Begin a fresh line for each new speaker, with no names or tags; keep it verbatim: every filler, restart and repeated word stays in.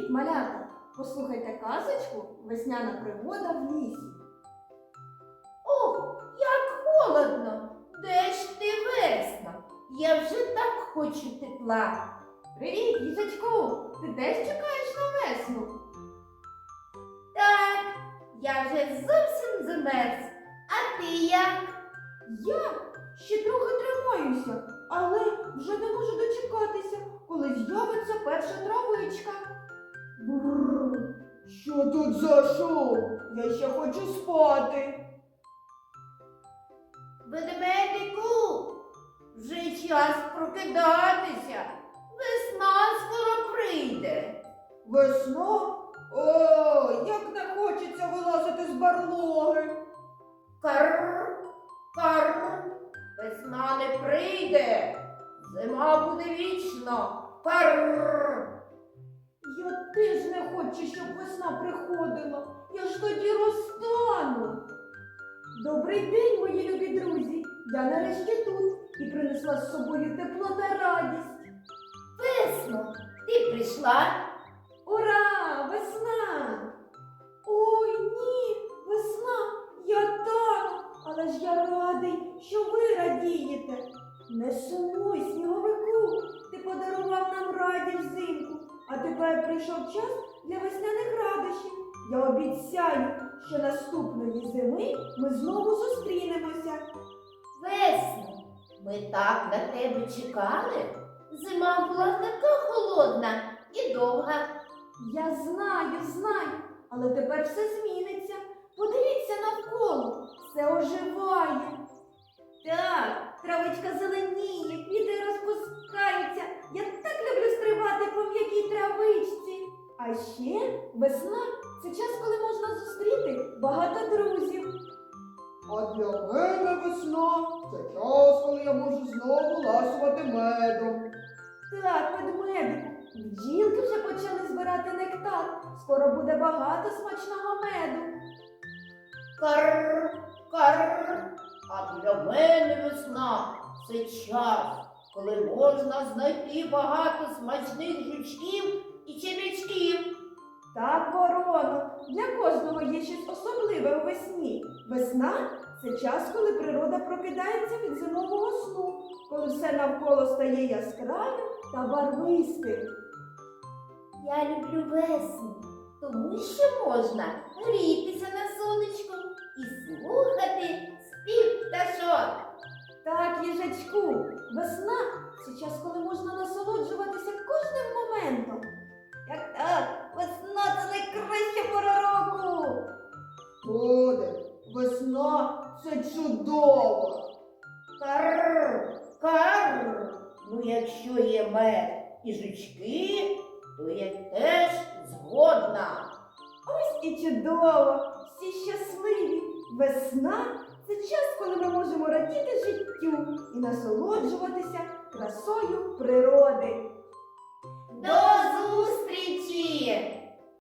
Привіт, малята! Послухайте казочку «Весняна пригода в лісі».
Ох, як холодно! Де ж ти, весна? Я вже так хочу тепла.
Привіт, їжачку! Ти теж чекаєш на весну?
Так, я вже зовсім замерз. А ти як?
Я ще трохи тримаюся, але вже не можу дочекатися, коли з'явиться перша травичка. Бррр, що тут за шум? Я ще хочу спати.
Ведмедику, вже час прокидатися. Весна скоро прийде.
Весна? О, як не хочеться вилазити з барлоги.
Карр, карр, весна не прийде. Зима буде вічно. Карр.
Я теж не хочу, щоб весна приходила. Я ж тоді розтану. Добрий день, мої любі друзі. Я нарешті тут і принесла з собою тепло та радість.
Весно, ти прийшла?
Ура! Весна! Ой, ні, весна, я тану, але ж я радий, що ви радієте. Не сумуй, сніговику, ти подарував нам радість взимку, а тепер прийшов час для весняних радощів. Я обіцяю, що наступної зими ми знову зустрінемося.
Весно, ми так на тебе чекали. Зима була така холодна і довга.
Я знаю, знаю, але тепер все зміниться. Подивіться навколо, все оживає. Так, травичка зеленіє, квіти розпускаються. Я так люблю стрибати по м'якій травичці. А ще весна – це час, коли можна зустріти багато друзів. А для мене весна – це час, коли я можу знову ласувати медом. Так, ведмедику, бджілки вже почали збирати нектар. Скоро буде багато смачного меду.
Карр, карр, а для мене весна – це час, коли можна знайти багато смачних жучків і черв'ячків.
Так, вороно, для кожного є щось особливе у весні. Весна – це час, коли природа прокидається від зимового сну, коли все навколо стає яскравим та барвистим.
Я люблю весну, тому що можна грітися на сонечку і слухати спів пташок.
Так, їжачку, весна – це час, коли можна насолоджуватися кожним моментом. Як так, весна – це найкраща пора року. Буде, весна – це чудово.
Карр, карр, ну якщо є мед і жучки, то я теж згодна.
Ось і чудово, всі щасливі. Весна – це час, коли ми можемо радіти життю і насолоджуватися красою природи.
До зустрічі!